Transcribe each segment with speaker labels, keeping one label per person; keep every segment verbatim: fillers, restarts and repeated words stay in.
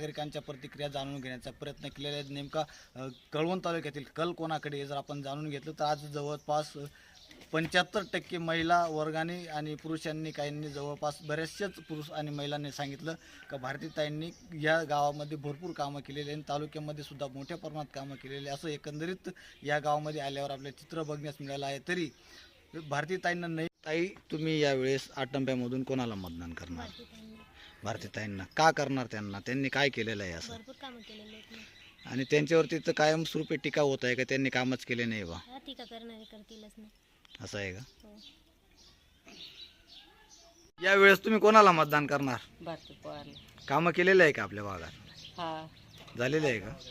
Speaker 1: नागरिकांच्या प्रतिक्रिया जाणून घेण्याचा प्रयत्न केलेला आहे। नेमका अ, कळवण तालुक्यातील कल कोणाकडे आहे जर आपण जाणून घेतलं तर आज जवळपास पंच्याहत्तर टक्के महिला वर्गाने आणि पुरुषांनी काहींनी जवळपास बऱ्याचशाच पुरुष आणि महिलांनी सांगितलं का भारतीताईंनी या गावामध्ये भरपूर कामं केलेली आणि तालुक्यामध्ये सुद्धा मोठ्या प्रमाणात कामं केलेली असं एकंदरीत या गावामध्ये आल्यावर आपल्याला चित्र बघण्यास मिळालं आहे। तरी भारतीताईंना नाही ताई तुम्ही यावेळेस आटंब्यामधून कोणाला मतदान करणार? भारतीताईंना का करणार? त्यांना त्यांनी काय केलेलं आहे असं?
Speaker 2: भरपूर कामं केलेली आहेत ना।
Speaker 1: आणि त्यांच्यावरती तर कायमस्वरूपी टीका होत आहे का त्यांनी कामच केले नाही बा?
Speaker 2: हा, टीका करणारे करतीलच ना।
Speaker 1: असं आहे का?
Speaker 2: हो।
Speaker 1: यावेळेस तुम्ही कोणाला मतदान करणार?
Speaker 3: भारती पवारला।
Speaker 1: कामं केलेलं आहे का आपल्या भागात?
Speaker 3: हा
Speaker 1: झालेलं आहे का?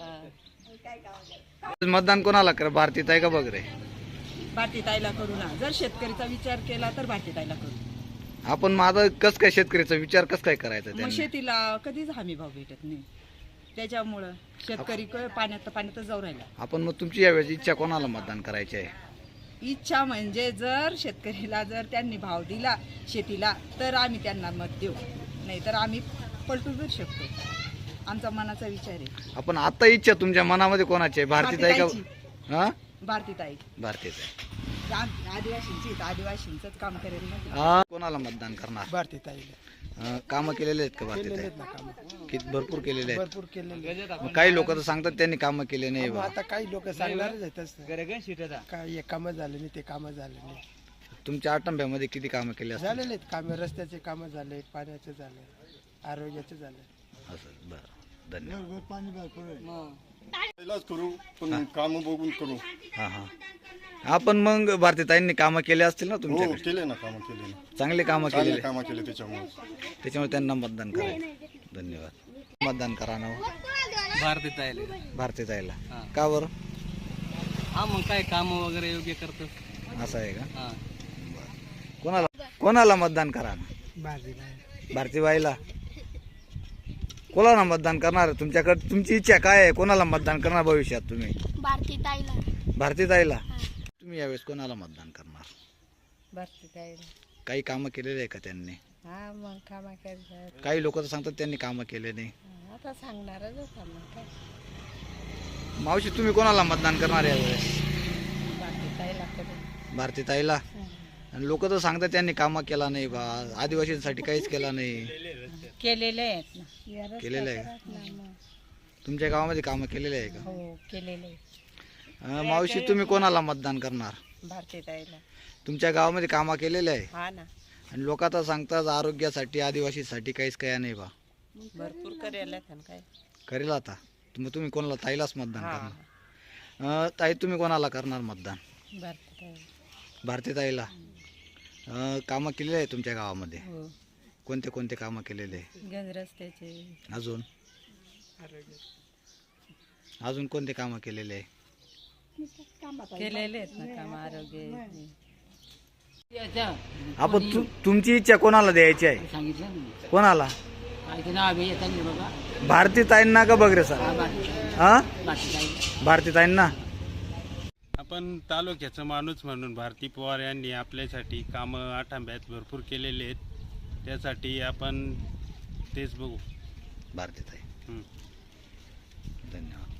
Speaker 3: हा
Speaker 1: मतदान कोणाला कर? भारतीताई का बघ रे?
Speaker 3: भारतीताईला करू ना। जर शेतकरीचा विचार केला तर भारतीताईला करू।
Speaker 1: आपण माझा कस काय शेतकरीचा विचार कस काय करायचा
Speaker 3: मग
Speaker 1: त्यांनी?
Speaker 3: शेतीला कधीच हमी भाव भेटत नाही, त्याच्यामुळं शेतकरी क- पाण्यात पाण्यातच जाऊ राहिला।
Speaker 1: आपण मग तुमची यावेळेस इच्छा कोणाला मतदान करायची आहे?
Speaker 3: इच्छा म्हणजे जर शेतकरीला जर त्यांनी भाव दिला शेतीला तर आम्ही त्यांना मत देऊ, नाही तर आम्ही पलटू फिरू शकतो। आमचा मनाचा विचार आहे।
Speaker 1: आपण आता इच्छा तुमच्या मनामध्ये कोणाची आहे? भारतीताई का? हा,
Speaker 3: भारतीताई
Speaker 1: भारतीताई।
Speaker 3: आदिवासींची आदिवासींचंच काम करेल ना ती।
Speaker 1: हा, कोणाला मतदान करणार?
Speaker 4: भारतीताईला
Speaker 1: कामं केलेले आहेत का
Speaker 4: केलेले
Speaker 1: भारतीताई?
Speaker 4: आहेत ना कामं,
Speaker 1: किती भरपूर केलेले आहेत?
Speaker 4: भरपूर केलेले।
Speaker 1: मग काही लोक तर सांगतात त्यांनी कामं केले नाही
Speaker 4: मग
Speaker 1: बा.
Speaker 4: आता काही लोक सांगणारच आहेत तसं. काय हे कामं झाले नाही, ते कामं झाले नाही।
Speaker 1: तुमच्या आटंब्यामध्ये किती कामं केली असतात?
Speaker 4: झालेले आहेत कामं, रस्त्याचे कामं झाले, पाण्याचे झाले, आरोग्याचे झाले।
Speaker 1: असं बरं, धन्यवाद।
Speaker 5: इलाज करू पण काम बघून करू।
Speaker 1: हा हा, आपण मग भारतीताईंनी कामं केले असतील ना
Speaker 5: हो
Speaker 1: तुमच्याकडे?
Speaker 5: केले ना, कामं केले ना,
Speaker 1: चांगले कामं
Speaker 5: चांगले
Speaker 1: केलेले,
Speaker 5: कामं केले त्याच्यामुळे
Speaker 1: त्याच्यामुळे त्यांना मतदान करायचं। धन्यवाद। मतदान करा ना हो.
Speaker 6: भारतीताईला।
Speaker 1: भारतीताईला
Speaker 6: हा.
Speaker 1: का बरं?
Speaker 6: हा, मग काय काम वगैरे योग्य करतात।
Speaker 1: असं आहे का?
Speaker 6: हा,
Speaker 1: कोणाला कोणाला मतदान करा ना? भारतीबाईला। कोणाला मतदान करणार तुमच्याकडे? तुमची इच्छा काय आहे? कोणाला मतदान करणार भविष्यात तुम्ही?
Speaker 2: भारतीताईला।
Speaker 1: भारतीताईला। तुम्ही यावेळेस कोणाला मतदान करणार?
Speaker 3: भारतीताईला।
Speaker 1: काही कामं केलेले आहे का त्यांनी?
Speaker 3: हा मग कामा करतात।
Speaker 1: काही लोक तर सांगतात त्यांनी कामं केले नाही।
Speaker 3: आता सांगणारच होता मग काय।
Speaker 1: मावशी तुम्ही कोणाला मतदान करणार यावेळेस?
Speaker 3: भारतीताईला करू।
Speaker 1: भारतीताईला। आणि लोक तर सांगतात त्यांनी कामं केला नाही बा, आदिवासींसाठी काहीच केला नाही।
Speaker 3: केलेले आहेत ना।
Speaker 1: केलेलं आहे का? तुमच्या गावामध्ये कामं केलेले आहे का?
Speaker 3: हो केलेले।
Speaker 1: अं, मावशी तुम्ही कोणाला मतदान करणार?
Speaker 3: भारतीताईला।
Speaker 1: तुमच्या गावामध्ये कामं केलेले आहे
Speaker 3: हा ना,
Speaker 1: आणि लोक तर सांगतात आरोग्यासाठी आदिवासीसाठी काहीच काय नाही बा,
Speaker 3: भरपूर करेल काय।
Speaker 1: करेल आता मग तुम्ही कोणाला? ताईलाच मतदान
Speaker 3: हा
Speaker 1: करणार? अं, ताई तुम्ही कोणाला करणार मतदान?
Speaker 3: भारतीताई।
Speaker 1: भारतीताईला। अं, कामं केलेली आहे तुमच्या गावामध्ये?
Speaker 3: हो
Speaker 1: कोणते कोणते कामं केलेले आहे?
Speaker 3: गंज रस्त्याचे
Speaker 1: अजून अजून कोणते कामं केलेले आहे?
Speaker 3: केलेले आहेत ना काम, आरोग्य।
Speaker 1: आपण तु, तुमची इच्छा कोणाला द्यायची आहे?
Speaker 6: सांगितलं
Speaker 1: कोणाला?
Speaker 6: बघा
Speaker 1: भारतीताईंना का बघ रे सर? हा, भारतीताईंना।
Speaker 7: आपण तालुक्याचा माणूस म्हणून भारती पवार यांनी आपल्यासाठी कामं आठांब्यात भरपूर केलेले आहेत, त्यासाठी आपण तेच बघू।
Speaker 1: भारतीताई,
Speaker 7: हं.
Speaker 1: धन्यवाद।